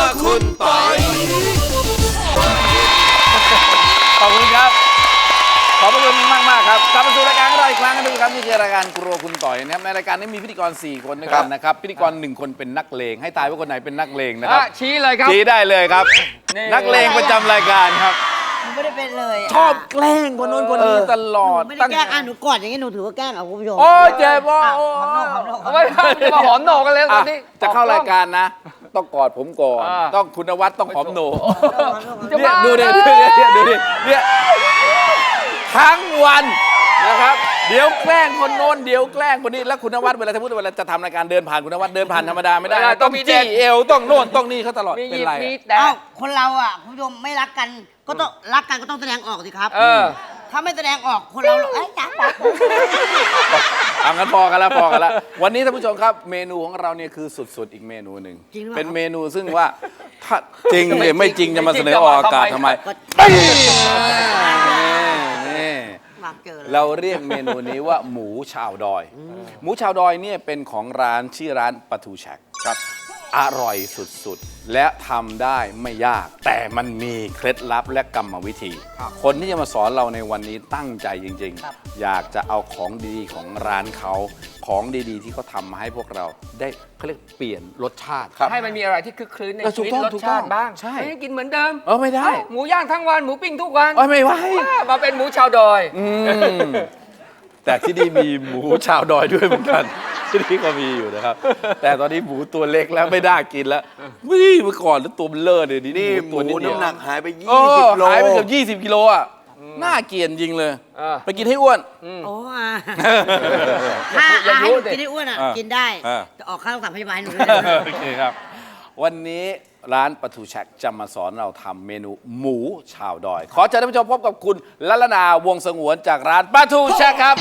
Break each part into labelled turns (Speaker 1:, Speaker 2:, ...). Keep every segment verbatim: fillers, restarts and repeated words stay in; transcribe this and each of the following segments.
Speaker 1: คุณปอย
Speaker 2: ขอบคุณครับขอบคุณมากมากครับกลับมาสู่รายการของเราอีกครั้งนึงครับนี่คือรายการครัวคุณต่อยนะครับในรายการนี้มีพิธีกรสี่คนด้วยกันนะครับพิธีกรหนึ่งคนเป็นนักเลงให้ทายว่าคนไหนเป็นนักเลงนะครับ
Speaker 3: ชี้เลยครับ
Speaker 2: ชี้ได้เลยครับนักเลงประจำรายการครับ
Speaker 4: ไม่ได้เป็นเลย
Speaker 2: ชอบแกล้งคนโน้นคนนี้ตลอด
Speaker 4: ไม่ได้แกล้งอ่ะหนูกอดอย่างนี้หนูถือว่าแกล้งเอาคุณผู้ชม
Speaker 2: โอ้เจ็บโอ้
Speaker 3: ไม่มาหอมโหนกันเลยตอนนี้
Speaker 2: จะเข้ารายการนะต้องกอดผมก่อนต้องคุณนวัดต้องหอมโหนเนี่ยดูดิดูดิดูดิเนี่ยทั้งวันนะครับเดี๋ยวแกล้งคนโน้นเดี๋ยวแกล้งคนนี้แล้วคุณนวัดเวลาสมมติเวลาจะทำรายการเดินผ่านคุณนวัดเดินผ่านธรรมดาไม่ได้ต้องจี้เอวต้องโน่นต้องนี่เขาตลอดเป็นไร
Speaker 4: เอ้าคนเราอ่ะคุณผู้ชมไม่รักกันก็ต้องรักกันก็ต้องแสดงออกสิครับถ้าไม่แสดงออกคนเราเอ้ยจ้า
Speaker 2: เอางั้นพอกันแล้วพอกันแล้ววันนี้ท่านผู้ชมครับเมนูของเราเนี่ยคือสุดๆอีกเมนูหนึ่งเป็นเมนูซึ่งว่าถ้าจริงหรือไม่จริงจะมาเสนอออกอากาศทำไมเราเรียกเมนูนี้ว่าหมูชาวดอยหมูชาวดอยเนี่ยเป็นของร้านชื่อร้านปลาทูแชกครับอร่อยสุดๆและทำได้ไม่ยากแต่มันมีเคล็ดลับและกรรมวิธีคนที่จะมาสอนเราในวันนี้ตั้งใจจริงๆอยากจะเอาของดีๆของร้านเขาของดีๆที่เขาทำมาให้พวกเราได้เขาเรียกเปลี่ยนรสชาติ
Speaker 3: ให้มันมีอะไรที่คึกครื้นในชีวิตรสชาติบ้าง
Speaker 2: ใช่
Speaker 3: ไม่กินเหมือนเดิม
Speaker 2: เออไม่ได้
Speaker 3: หมูย่างทั้งวันหมูปิ้งทุกวัน
Speaker 2: ไม่ไหว
Speaker 3: มาเป็นหมูชาวดอย
Speaker 2: แต่ที่นี่มีหมูชาวดอยด้วยเหมือนกันที่นี่ก็มีอยู่นะครับแต่ตอนนี้หมูตัวเล็กแล้วไม่ได้กินแล้ววิ่งเมื่อก่อนแล้วตัวมันเลิศเลยนี่
Speaker 1: หมูน้ำหนักหายไปยี่
Speaker 2: สิบโลหายไปเกือบยี่สิบกิโลอ่ะน่าเกลียดจริงเลยไปกินให้อ้วน
Speaker 4: โอ้ถ้าให้กินให้อ้วนอ่ะกินได้จะออกค่ารักษาพยาบาลหนูเลย
Speaker 2: โอเคครับวันนี้ร้านปลาทูแชกจะมาสอนเราทำเมนูหมูชาวดอยขอเชิญท่านผู้ชมพบกับคุณลัลนาวงศ์สงวนจากร้านปลาทูแชกครับ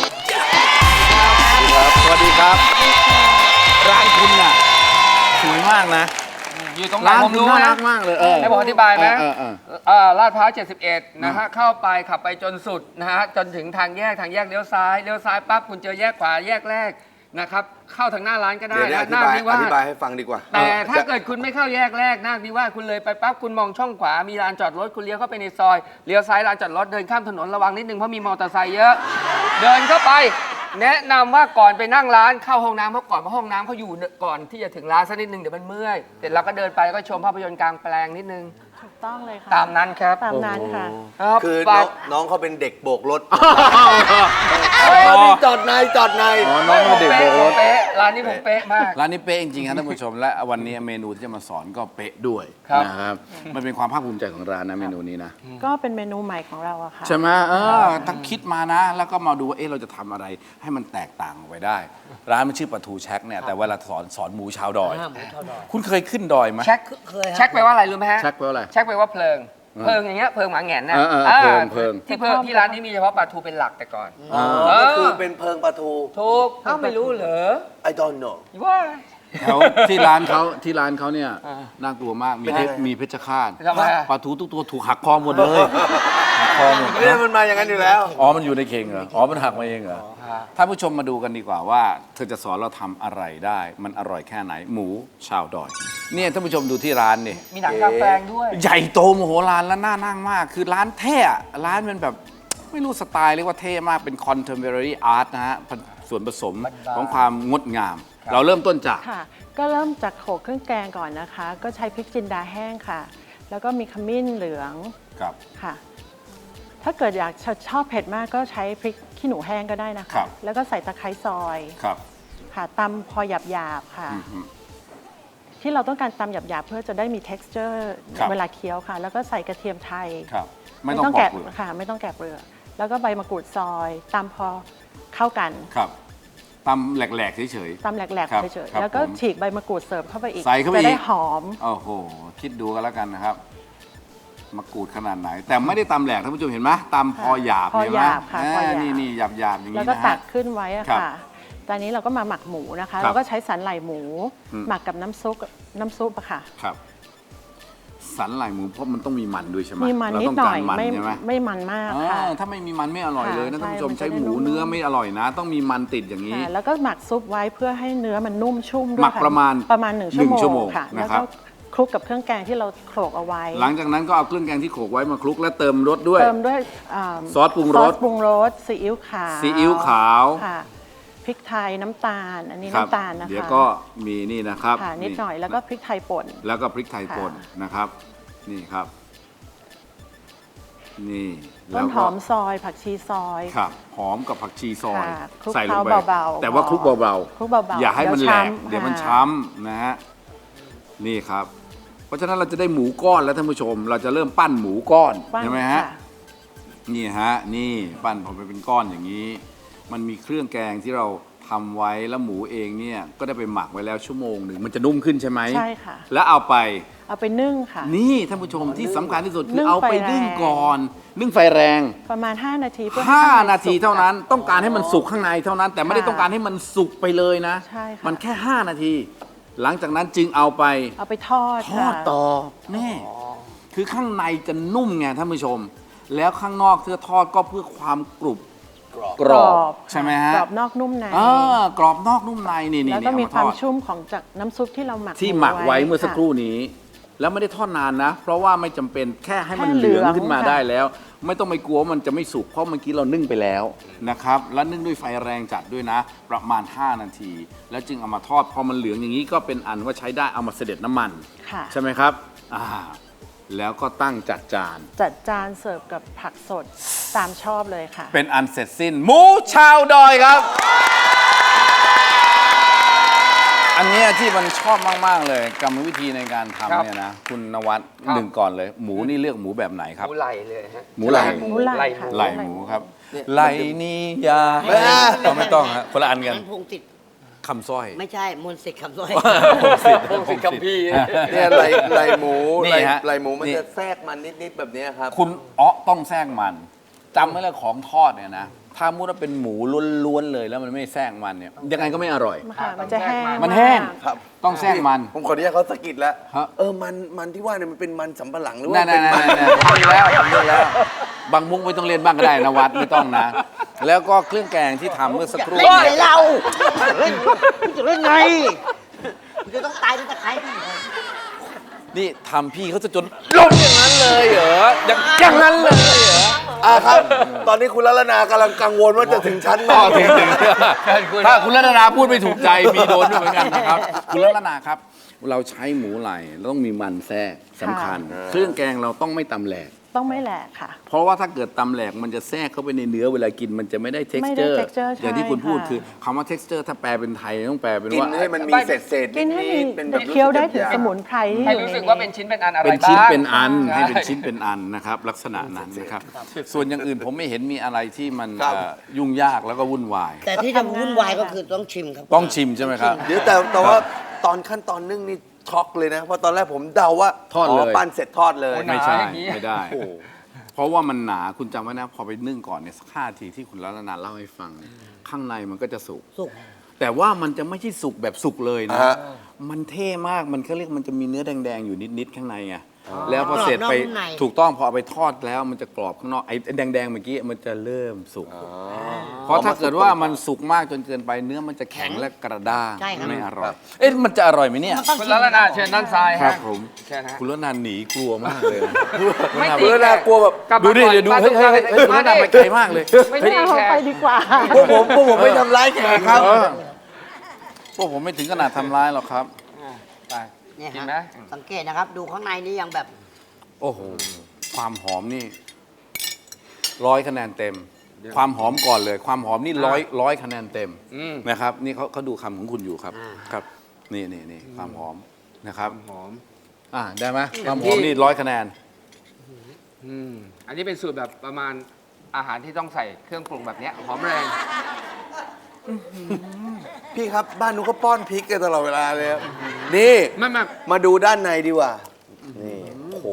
Speaker 2: สวัสดีครับร้านคุณน่ะสวยมากนะ
Speaker 3: อยู่ตรงไหนผมรู้นะ
Speaker 2: มากเลย
Speaker 3: ให้ผมอธิบายไหมลาดพร้าวเจ็ดสิบเอ็ดนะฮะเข้าไปขับไปจนสุดนะฮะจนถึงทางแยกทางแยกเลี้ยวซ้ายเลี้ยวซ้ายปั๊บคุณเจอแยกขวาแยกแรกนะครับเข้าทางหน้าร้านก็ได้
Speaker 1: นะ
Speaker 3: นาคนิวาส
Speaker 1: อธิบายให้ฟังดีกว่า
Speaker 3: แต่ถ้าเกิดคุณไม่เข้าแยกแรกนาคนิวาสคุณเลยไปปั๊บคุณมองช่องขวามีลานจอดรถคุณเลี้ยวเข้าไปในซอยเลี้ยวซ้ายลานจอดรถเดินข้ามถนนระวังนิดนึงเพราะมีมอเตอร์ไซค์เยอะเดินเข้าไปแนะนำว่าก่อนไปนั่งร้านเข้าห้องน้ำเพราะก่อนเพราะห้องน้ำเขาอยู่ก่อนที่จะถึงร้านสักนิดนึงเดี๋ยวมันเมื่อยเสร็จเราก็เดินไปก็ชมภาพยนตร์กลางแปลงนิดนึง
Speaker 5: ถูกต้องเลยค่ะ
Speaker 3: ตามนั้นครับ
Speaker 5: ตามนั้นค่ะ
Speaker 1: คือน้องเขาเป็นเด็กโบกรถนี่จอดในจอดใน
Speaker 2: น้องเป็นเด็กโบกรถ
Speaker 3: ร้านนี้ผมเป๊ะมาก
Speaker 2: ร้านนี้เป๊ะจริงๆครับท่านผู้ชมและวันนี้เมนูที่จะมาสอนก็เป๊ะด้วยนะครับมันเป็นความภาคภูมิใจของร้านนะเมนูนี้นะ
Speaker 5: ก็เป็นเมนูใหม่ของเราอะค่ะ
Speaker 2: ใช่ไหมเออตั้งคิดมานะแล้วก็มาดูว่าเอ๊ะเราจะทำอะไรให้มันแตกต่างออกไปได้ร้านมันชื่อปลาทูแชกเนี่ยแต่เวลาสอนสอนหมูชาวดอยคุณเคยขึ้นดอยไหม
Speaker 3: แชกเคยแชกแปลว่าอะไรรู้ไหมฮะ
Speaker 2: แชกแปลว่าอะไร
Speaker 3: แชกแปลว่าเพลิงเพลิงอย่างเงี้ยเพลิงหมาแหง่นนะ
Speaker 2: เพลิงเพลิง
Speaker 3: ที่เพิ่มที่ร้านนี้มีเฉพาะปลาทูเป็นหลักแต่ก่อน
Speaker 1: ก็คือเป็นเพลิงปลาทู
Speaker 3: ถูกอ้าวไม่รู้เหรอ
Speaker 1: I don't know
Speaker 3: ว่า
Speaker 2: แถวที่ร้านเขาที่ร้านเขาเนี่ยน่ากลัวมากมีมีเพชฌฆาตปลาทูทุกตัวถูกหักคอหมดเลยหักคอหมด
Speaker 1: เรื่องมันมาอย่างนั้นอยู่แล้ว
Speaker 2: อ๋อมันอยู่ในเข่งเหรออ๋อมันหักมาเองเหรอท่านผู้ชมมาดูกันดีกว่าว่าเธอจะสอนเราทำอะไรได้มันอร่อยแค่ไหนหมูชาวดอยเนี่ยท่านผู้ชมดูที่ร้านนี่
Speaker 3: มีหนังกลางแปลงด้วย
Speaker 2: ใหญ่โตมโหฬารและน่านั่งมากคือร้านเท่ร้านเป็นแบบไม่รู้สไตล์เรียกว่าเท่มากเป็น contemporary art นะฮะส่วนผสมของความงดงามเราเริ่มต้นจาก
Speaker 5: ค่ะก็เริ่มจากโขลกเครื่องแกงก่อนนะคะก็ใช้พริกจินดาแห้งค่ะแล้วก็มีขมิ้นเหลือง
Speaker 2: ครับ
Speaker 5: ค่ะถ้าเกิดอยากชอบเผ็ดมากก็ใช้พริกขี้หนูแห้งก็ได้นะคะแล้วก็ใส่ตะไคร้ซอย
Speaker 2: ครับ
Speaker 5: ค่ะตำพอหยาบๆค่ะที่เราต้องการตำหยาบๆเพื่อจะได้มี texture เวลาเคี้ยวค่ะแล้วก็ใส่กระเทียมไทย
Speaker 2: ครับ
Speaker 5: ไม่ต้องแกะค่ะไม่ต้องแกะเปลือกแล้วก็ใบมะกรูดซอยตำพอเข้ากัน
Speaker 2: ครับตำแหลกๆเฉย
Speaker 5: ๆตำแหลกๆเฉยๆแล้วก็ฉีกใบมะกรูดเสริมเข้าไปอีก
Speaker 2: ใส่เข้าไป
Speaker 5: จะได้หอม
Speaker 2: โอ้โหคิดดูกันแล้วกันนะครับมะกรูดขนาดไหนแต่ไม่ได้ตำแหลกท่านผู้ชมเห็นไหมตำพอหยาบ
Speaker 5: พอหยาบค่ะ
Speaker 2: นี่นี่หยาบหยาบอย่างนี้
Speaker 5: แล้วก็ตักขึ้นไว้อะค่ะตอนนี้เราก็มาหมักหมูนะคะเราก็ใช้สันไหล่หมูหมักกับน้ำซุปน้ำซุปอะค่ะ
Speaker 2: ครับสันไหล่หมูเพราะมันต้องมีมันด้วยใช่ไหม
Speaker 5: มีมันนิดหน่อยไม่ไม่มันมากค่ะ
Speaker 2: ถ้าไม่มีมันไม่อร่อยเลยนะท่านผู้ชมใช้หมูเนื้อไม่อร่อยนะต้องมีมันติดอย่างนี้
Speaker 5: แล้วก็หมักซุปไว้เพื่อให้เนื้อมันนุ่มชุ่มด้วย
Speaker 2: หมักประมาณ
Speaker 5: ประมาณหนึ่งชั่วโมงค่ะแล้วก็คลุกกับเครื่องแกงที่เราโขลกเอาไว้
Speaker 2: หลังจากนั้นก็เอาเครื่องแกงที่โขลกไว้มาคลุกและเติมรสด้วย
Speaker 5: เติมด้วยอ่า
Speaker 2: ซอสปรุงรส
Speaker 5: ซอสปรุงรสซีอิ๊วขาว
Speaker 2: ซีอิ๊วขาว
Speaker 5: ค่ะพริกไทยน้ำตาล อันนี้
Speaker 2: ครับ
Speaker 5: น้ำตาลนะคะ
Speaker 2: เดี๋ยวก็มีนี่นะครับ
Speaker 5: ค่ะนิดหน่อยแล้วก็พริกไทยป่น
Speaker 2: แล้วก็พริกไทยป่น
Speaker 5: ค่ะ
Speaker 2: นะครับ นี่ครับ นี่
Speaker 5: ต้
Speaker 2: แล้
Speaker 5: น
Speaker 2: ว
Speaker 5: ห
Speaker 2: ก็
Speaker 5: อมซอยผักชีซอย
Speaker 2: ครับหอมกับผักชีซอย
Speaker 5: ค่ะคลุก
Speaker 2: ใส่ลงไป
Speaker 5: เคล้าเบาๆ
Speaker 2: แต่ว่าคลุกเบา
Speaker 5: คลุกเบาๆ
Speaker 2: อย่าให้มันแหลก
Speaker 5: เดี๋
Speaker 2: เดี๋ย
Speaker 5: ยว ว
Speaker 2: มัน
Speaker 5: ช้ำ
Speaker 2: ช้ำนะฮะนี่ครับ เพราะฉะนั้นเราจะได้หมูก้อนแล้วท่านผู้ชม เราจะเริ่มปั้นหมูก้อน
Speaker 5: ปั้น
Speaker 2: ใช่ไหมฮะ
Speaker 5: ค่
Speaker 2: นี่ฮะนี่ปั้นพอไปเป็นก้อนอย่างนี้ มันมีเครื่องแกงที่เราทำไว้แล้วหมูเองเนี่ยก็ได้ไปหมักไว้แล้วชั่วโมงหนึ่งมันจะนุ่มขึ้นใช่ไหม
Speaker 5: ใช่ค่ะ
Speaker 2: แล้วเอาไป
Speaker 5: เอาไปนึ่งค่ะ
Speaker 2: นี่ท่านผู้ชมที่สำคัญที่สุด
Speaker 5: นึ่
Speaker 2: คือง เอาไป
Speaker 5: ไฟแรง
Speaker 2: นึ่งก่อน นึ่งไฟแรง
Speaker 5: ประมาณ ห้า นาทีเพื่อ
Speaker 2: ห้า
Speaker 5: ให้ข้งใ
Speaker 2: นาที
Speaker 5: สุก
Speaker 2: เท่านั้น
Speaker 5: ค่ะ
Speaker 2: ต้องการให้มันสุกข้างในเท่านั้น แต่ไม่ได้
Speaker 5: ค่ะ
Speaker 2: ต้องการให้มันสุกไปเลยนะ
Speaker 5: ใช่ค่ะ
Speaker 2: มันแค่ ห้า นาที หลังจากนั้นจึงเอาไป
Speaker 5: เอาไปทอด
Speaker 2: ทอด
Speaker 5: ค่ะ
Speaker 2: ต่อนี่คือข้างในจะนุ่มไงท่านผู้ชม แล้วข้างนอกเพื่อทอดก็เพื่อความกรุบกรอบ
Speaker 5: ค่ะ
Speaker 2: ใช่ไหมฮะ
Speaker 5: กรอบนอกนุ่มใน
Speaker 2: อ่ากรอบนอกนุ่มในนี่นี่
Speaker 5: แล้วก็
Speaker 2: นี่
Speaker 5: มี
Speaker 2: เอา
Speaker 5: ความ
Speaker 2: ทอด
Speaker 5: ชุ่มของจากน้ำซุปที่เราหมัก
Speaker 2: ที่หมักไว้เมื่อสักครู่
Speaker 5: ะ
Speaker 2: นี้ แล้วไม่ได้ทอดนานนะ เพราะว่าไม่จำเป็นแค่ให้มัน
Speaker 5: แค่
Speaker 2: เหลือง
Speaker 5: เหลือง
Speaker 2: ขึ้นมา
Speaker 5: ค่ะ
Speaker 2: ได้แล้ว ไม่ต้องไปกลัวว่ามันจะไม่สุกเพราะเมื่อกี้เรานึ่งไปแล้วนะครับแล้วนึ่งด้วยไฟแรงจัดด้วยนะ ประมาณ ห้า นาที แล้วจึงเอามาทอดพอมันเหลืองอย่างนี้ก็เป็นอันว่าใช้ได้เอามาเสด็จน้ำมัน
Speaker 5: ค่ะ
Speaker 2: ใช่ไหมครับอ่าแล้วก็ตั้งจัดจาน
Speaker 5: จัดจานเสิร์ฟกับผักสดตามชอบเลยค่ะ
Speaker 2: เป็นอันเสร็จสิ้นหมูชาวดอยครับ อันเนี้ยที่มันชอบมาก ๆ เลยกรรมวิธีในการ
Speaker 3: ครับ
Speaker 2: ทำเนี่ยนะคุณนวัด
Speaker 3: ครับ
Speaker 2: หนึ่งก่อนเลย หมูนี่เลือกหมูแบบไหนครับ
Speaker 3: หมูไหลเลยฮะ
Speaker 2: หมูไหล่
Speaker 5: หมูไหล่ค่ะ
Speaker 2: ไหล่หมูครับไหล่นี่ยาเราไม่ต้องฮะคนละอันกัน
Speaker 4: มันพงติด
Speaker 2: คำสร้อย
Speaker 4: ไม่ใช่มนต์สิทธิ์คำสร้อย
Speaker 2: พงศิษฐ์
Speaker 3: พงศิษฐ์คัมภีร์
Speaker 1: เนี่ยไหลไหลหมู
Speaker 2: นี่
Speaker 1: ไหล
Speaker 2: ฮะ
Speaker 1: ไหลหมูมัน
Speaker 2: นี่
Speaker 1: จะแทรกมันนิดๆแบบเนี้ยครับ
Speaker 2: คุณอ๋อต้องแทรกมันจำไว้เลยของทอดเนี่ยนะถ้ามุดว่าเป็นหมูล้วนๆเลยแล้วมันไม่แทรกมันเนี่ยยังไงก็ไม่อร่อย
Speaker 5: ค่ะ มันจะแห้ง
Speaker 2: มันแห้ง
Speaker 5: าก
Speaker 1: ครับ
Speaker 2: ต้องแทรกมัน
Speaker 1: ผมขออนุญาตเขาสะกิดแล้ว
Speaker 2: ฮะ
Speaker 1: เออ มัน มันที่ว่าเนี่ยมันเป็นมันสำปะหลังหรือว่า
Speaker 2: นั่น
Speaker 1: เป็น
Speaker 2: ๆ
Speaker 1: มัน
Speaker 2: ๆๆผมดูแล้วผมดูแล้ว บางมุกไม่ต้องเรียนบ้างก็ได้นะวัดไม่ต้องนะ แล้วก็เครื่องแกงที่ทำเมื่อสักครู่
Speaker 4: เล่นไงเราเล่นจะเล่นไงมันจะต้องตายด้วยตะไคร้
Speaker 2: นี่ทำพี่เขาจะจนล้มอย่างนั้นเลยเหรออย่างอย่างนั้นเลยเหรอ
Speaker 1: อ่าครับ ตอนนี้คุณลัลนากำลังกังวลว่าจะถึงชั้นไหน
Speaker 2: อ๋อถึงถึงถ้าคุณรัตนาพูดไม่ถูกใจมีโดนด้วยเหมือนกันนะครับ คุณรัตนาครับ เราใช้หมูไหล่เราต้องมีมันแทรกสำคัญ เครื่องแกงเราต้องไม่ตำแหลก
Speaker 5: ต้องไม่แหลกค่ะ
Speaker 2: เพราะว่าถ้าเกิดตำแหลกมันจะแทรกเข้าไปในเนื้อเวลากินมันจะไม่ได้
Speaker 5: ไม่ได้
Speaker 2: texture
Speaker 5: texture
Speaker 2: อย่างที่คุณพูด
Speaker 5: ใช่ค่ะ
Speaker 2: คือคำว่า texture ถ้าแปลเป็นไทยต้องแปลเป็น
Speaker 1: กิน
Speaker 2: ว่า
Speaker 1: ให้มันมีเศษเศษๆ
Speaker 5: กินให้มี
Speaker 1: ดๆเป็นแบบ
Speaker 5: เคี้ยวได้ถึง
Speaker 1: รู้
Speaker 5: ส
Speaker 1: สึก
Speaker 5: มุนไพรที่
Speaker 3: ให้
Speaker 5: อยู่
Speaker 3: รู้
Speaker 5: ใน
Speaker 3: สึกว่าเป็น
Speaker 5: นี้
Speaker 3: ชิ้นเป็นอันอะไร
Speaker 2: เป็น
Speaker 3: บ้าง
Speaker 2: ชิ้นเป็นอัน
Speaker 3: ใช่
Speaker 2: ให้เป็นชิ้นเป็นอันนะครับลักษณะนั้นนะครับ ส่วนอย่างอื่นผมไม่เห็นมีอะไรที่มัน
Speaker 1: ครับ
Speaker 2: เอ่อยุ่งยากแล้วก็วุ่นวาย
Speaker 4: แต่ที่จะวุ่นวายก็คือต้องชิมครับ
Speaker 2: ต้องชิมใช่ไหมครับ
Speaker 1: เดี๋ยวแต่แต่ว่าตอนขั้นตอนนึ่งนี่ช็อกเลยนะ เพราะตอนแรกผมเดาว่า
Speaker 2: ทอดเลย
Speaker 1: ปั้นเสร็จทอดเลย
Speaker 3: โอ้หนา
Speaker 2: ไม่ใช่
Speaker 3: อย่างนี้
Speaker 2: ไม่ได้ เพราะว่ามันหนาคุณจำไว้นะ พอไปนึ่งก่อนเนี่ยสักห้าทีที่คุณรัตนาเล่าให้ฟังเนี่ยข้างในมันก็จะสุก
Speaker 4: สุก
Speaker 2: แต่ว่ามันจะไม่ใช่สุกแบบสุกเลยนะ
Speaker 1: ฮะ
Speaker 2: มันเท่มากมันเขาเรียกมันจะมีเนื้อแดงๆอยู่นิดๆข้างในไงแล้วพอเสร็จไป
Speaker 4: กรอบนอกนุ่มใน
Speaker 2: ถูกต้องพอเอาไปทอดแล้วมันจะกรอบข้างนอกไอ้แดงๆเมื่อกี้มันจะเริ่มสุก เพราะถ้าเกิดว่ามันสุกมากจนเกินไปเนื้อมันจะแข็งและกระด้าง
Speaker 4: ใช่ครับ
Speaker 2: ไม่อร่อย เอ๊ะมันจะอร่อยไหมเนี่ย
Speaker 4: มันต้อง
Speaker 3: คุณ
Speaker 4: ชิม
Speaker 3: ลัลนาเชิญด้านซ้าย
Speaker 2: ครั
Speaker 3: ฮะ
Speaker 2: บผม
Speaker 3: เชิญฮะ
Speaker 2: คุณรัตนาหนีกลัวมากเลยนะ
Speaker 3: ไม่
Speaker 2: คุณ
Speaker 3: ตี
Speaker 2: รัตนาก
Speaker 1: ลัวแบบ
Speaker 3: กลับ
Speaker 2: ดู
Speaker 3: มา
Speaker 2: ดิ
Speaker 3: ก่อน
Speaker 2: เดี๋ยวดู
Speaker 3: มา
Speaker 2: เฮ้ยเฮ้ยเฮ้ยคุณรัตนาไปไกลมากเลย
Speaker 3: ไม่
Speaker 5: ไม่
Speaker 3: ตี
Speaker 5: เอา
Speaker 3: แข
Speaker 5: ไป
Speaker 3: ก
Speaker 5: ดีกว่า
Speaker 1: พวกผมพวกผมไม่ทำร้ายแขกครับ
Speaker 2: เออพวกผมไม่ถึงขนาดทำร้ายหรอกครับ
Speaker 3: ไป
Speaker 4: เนี่ย
Speaker 3: กิน
Speaker 4: ฮะ
Speaker 3: ไหม
Speaker 4: สังเกตนะครับ ดูข้างในนี่ยังแบบ
Speaker 2: โอ้โหความหอมนี่ร้อยคะแนนเต็ม ความหอมก่อนเลย ความหอมนี่ร้อยร้อยคะแนนเต็ม
Speaker 3: อืม
Speaker 2: นะครับ นี่เขาเขาดูคำของคุณอยู่ครับ
Speaker 4: อ่า
Speaker 2: ครับ นี่นี่นี่ความหอมนะครับ
Speaker 3: หอม
Speaker 2: อ่าได้ไหมความหอมนี่ร้อยคะแนน
Speaker 3: อืมอันนี้เป็นสูตรแบบประมาณอาหารที่ต้องใส่เครื่องปรุงแบบเนี้ยหอมแรง
Speaker 1: พี่ครับบ้านนู้นก็ป้อนพริกกันตลอดเวลาเลยครับนี่
Speaker 3: ไม่ไม่
Speaker 1: มาดูด้านในดีกว่า นี่โอ้โห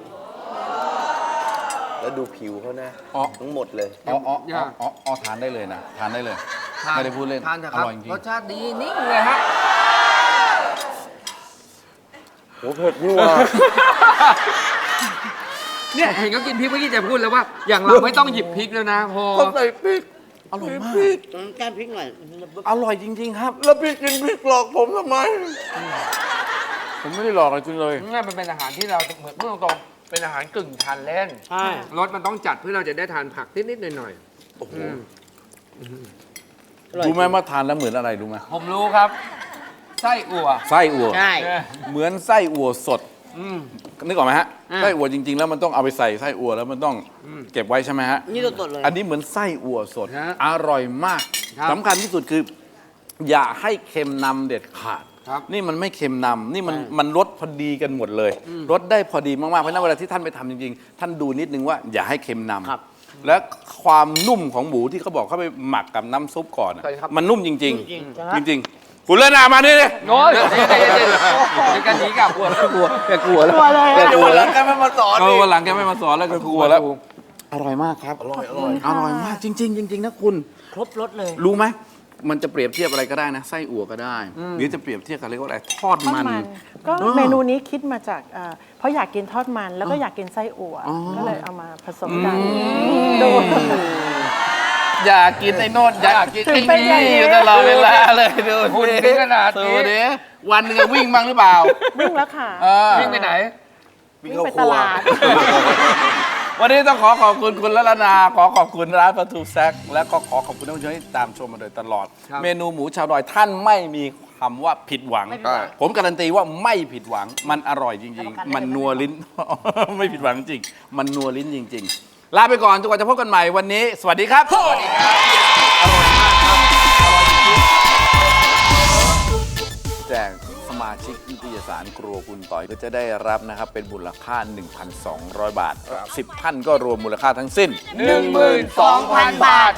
Speaker 1: แล้วดูผิวเขานะ
Speaker 2: อ๋อ
Speaker 1: ทั้งหมดเลย
Speaker 2: อ๋ออ๋ออ๋ออ๋ออ๋อทานได้เลยนะ ทานได้เลย ไม่ได้พูดเล่น
Speaker 3: ทานเถอะ
Speaker 2: อ
Speaker 3: ครับ
Speaker 2: ร่อยจริง
Speaker 3: รสชาติดีนิ่งเลยฮะ
Speaker 1: โอ้เผ็ดนี่ว่ะ
Speaker 3: เนี่ยเห็นเขากินพริกเมื่อกี้จะพูดแล้วว่า อย่างเราไม่ต้องหยิบพริกแล้วนะพอ
Speaker 1: ก็ใส่พริก
Speaker 2: อร่อยมาก
Speaker 1: พริก
Speaker 4: แก้มพริกหน่อย
Speaker 2: อร่อยจริง ๆ ครับ
Speaker 1: แล้วพี่กินพริกหลอกผมทำไม
Speaker 2: ผมไม่ได้หลอกอะไรคุณเลย
Speaker 3: นี่มันเป็นอาหารที่เราเหมือนพูดตรงๆเป็นอาหารกึ่งทานเล่น
Speaker 4: ใช่
Speaker 3: รสมันต้องจัดเพื่อเราจะได้ทานผักนิดๆหน่อย
Speaker 1: โอ้โห
Speaker 2: รู้ไหมว่าทานแล้วเหมือนอะไรรู้ไหม
Speaker 3: ๆผมรู้ครับ ไส้อั่ว
Speaker 2: ไส้อั่ว
Speaker 4: ใช่
Speaker 2: เหมือนไส้อั่วสด
Speaker 3: อืม
Speaker 2: นึกออกไหมฮะ
Speaker 4: อ่า
Speaker 2: ไส้อั่วจริง ๆ แล้วมันต้องเอาไปใส่ไส้อั่วแล้วมันต้องเก็บไว้ใช่ไหมฮะ
Speaker 4: นี่สดๆเลย
Speaker 2: อันนี้เหมือนไส้อั่วสด
Speaker 3: ฮะ
Speaker 2: อร่อยมาก
Speaker 3: ครับ
Speaker 2: สำคัญที่สุดคือ อย่าให้เค็มนำเด็ดขาด
Speaker 3: ครับ
Speaker 2: นี่มันไม่เค็มนำนี่มันมันรสพอดีกันหมดเลยรสได้พอดีมากๆเพราะฉะนั้นเวลาที่ท่านไปทำจริงๆ ท่านดูนิดนึงว่าอย่าให้เค็มนำ
Speaker 4: ครับ
Speaker 2: และความนุ่มของหมูที่เขาบอกเขาไปหมักกับน้ำซุปก่อนอะ
Speaker 3: ใช่ครับ
Speaker 2: มันนุ่มจริง
Speaker 4: จริง
Speaker 2: ๆ จริง ๆ คุณเลนามานี่เลย
Speaker 3: โน้ยเดี๋ยวเดี๋ยวเดี๋ยวเดี๋ยวกันหนีกลับกลัวกลัวแกกลัวแล้ว
Speaker 5: กลัวเลย
Speaker 2: แก
Speaker 5: อะ
Speaker 2: กลัว
Speaker 1: วันห
Speaker 2: แล้
Speaker 1: ลั
Speaker 2: ว
Speaker 1: งกันไม่มาสอน
Speaker 2: เออ
Speaker 1: อีก
Speaker 2: วันหลังแกไม่มาสอนแล้วแกกลัวแล้ว อร่อยมากครับ
Speaker 1: อร่อยอร่อย
Speaker 2: อร่อยมากจริง ๆ จริง ๆ นะคุณ
Speaker 4: ครบรสเลย
Speaker 2: รู้ไหม มันจะเปรียบเทียบอะไรก็ได้นะ ไส้อั่วก็ได้ หรือจะเปรียบเทียบกับเรียกว่าอะไร ทอด
Speaker 5: ทอด
Speaker 2: มัน
Speaker 5: มันก็
Speaker 2: เออ
Speaker 5: เมนูนี้คิดมาจากเอ่อเพราะอยากกินทอดมันแล้วก็อยากกินไส้อั่ว
Speaker 2: อ๋อ
Speaker 5: ก็เลยเอามาผสมกันดู
Speaker 2: อยากกินไอ้โนดอยากกิน
Speaker 5: ถึ
Speaker 2: ไอ้
Speaker 5: งเป็นอย่างนี้
Speaker 2: นี่อยู่ตลอดเวลาเลยดู
Speaker 3: คุณถึงขนาดนี้
Speaker 2: ดูดิวันหนึงวิ่งบ้างหรือเปล่า
Speaker 5: วิ่งแล้วค่ะ
Speaker 2: เออ
Speaker 3: วิ่งไปไหน
Speaker 1: วิ่ง
Speaker 5: วิ่ง
Speaker 1: เข้า
Speaker 5: ไป
Speaker 1: ครัว
Speaker 5: ตลาด
Speaker 2: วันนี้ต้องขอขอบคุณคุณละละนา ขอขอบคุณร้านปลาทูแซกและก็ขอขอบคุณท่านผู้ชมที่ตามชมมาโดยตลอด
Speaker 3: ครับ
Speaker 2: เมนูหมูชาวดอยท่านไม่มีคำว่าผิดหวัง
Speaker 4: ไม่ผิดหวัง
Speaker 2: ผมการันตีว่าไม่ผิดหวัง มันอร่อยจริง
Speaker 4: รับประกัน
Speaker 2: ๆ มัน
Speaker 4: ได้เลย
Speaker 2: นัวลิ้น ไม่ผิดหวังจริง มันนัวลิ้นจริง ๆ ลาไปก่อนจนกว่าจะพบกันใหม่วันนี้ สวัสดีครับ สวัสดีครับ อร่อยมากครับ อร่อยจริงๆแจกสมาชิกนิตยสารครัวคุณต่อยก็จะได้รับนะครับ เป็นมูลค่า หนึ่งพันสองร้อย บาท สิบท่านก็รวมมูลค่าทั้งสิ้น
Speaker 3: หนึ่งหมื่นสองพันบาท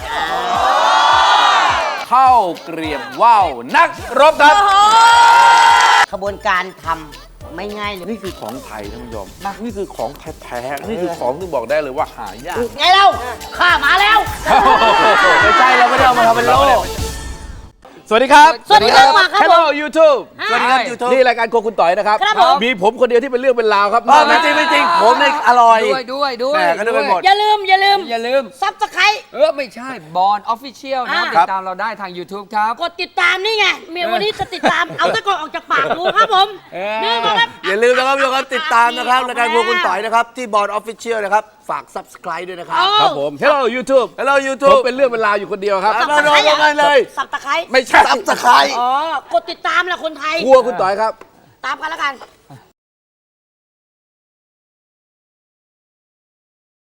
Speaker 2: ข้าวเกรียบว่าวนักรบครับ
Speaker 4: ขบวนการทำไม่ง่ายเลย
Speaker 2: นี่คือของไทยท่านผู้ชมนี่คือของแท้ๆนี่คือของที่บอกได้เลยว่าหายาก
Speaker 4: ไงเล่าข้ามาแล้ว
Speaker 2: ไม่ใช่เราไม่ได้เอามาทำเป็นโลกสวัสดีครับ
Speaker 4: สวัสดีครับมาครับ
Speaker 2: Hello YouTube
Speaker 1: สวัสดีครับยูทูบ
Speaker 2: นี่รายการโครัวคุณต่อยนะครับ
Speaker 4: ครับผม
Speaker 2: มีผมคนเดียวที่เป็นเรื่องเป็นราวครับ
Speaker 1: ไม่จริงไม่จริงผมเนี่ยอร่อย
Speaker 3: ด้วยด้วยด้วย
Speaker 1: แหม่ก็นึกไปหมด
Speaker 4: อย่าลืม อย่าลืม
Speaker 3: อย่าลืม
Speaker 4: ซับสไคร
Speaker 3: เออ ไม่ใช่บอลออฟฟิเชียลนะครับ
Speaker 4: อ่า
Speaker 3: ติดตามเราได้ทาง YouTube ครับ
Speaker 4: กดติดตามนี่ไงเมียวันนี้จะติดตาม เอาตะกอนออกจากปากดูครับผม
Speaker 3: เออ
Speaker 4: นี่นะครับ
Speaker 1: อย่าลืมนะครับทุกคนติดตามนะครับรายการพวกคุณต่อยนะครับ ที่บอร์ดออฟฟิเชียลนะครับ ฝาก subscribe ด้วยนะครับ
Speaker 2: ครับผม Hello YouTube
Speaker 1: Hello
Speaker 2: ผม
Speaker 1: YouTube
Speaker 2: เป็นเรื่องเป็นราวอยู่คนเดียวครับ
Speaker 1: ครับ มาโดนกันเลย
Speaker 4: สับตะไคร้
Speaker 2: ไม่ใช่
Speaker 1: subscribe
Speaker 4: อ๋อ กดติดตามแหละคนไทย
Speaker 2: ครัวคุณต่อยครับ
Speaker 4: ตามกันแล้วกัน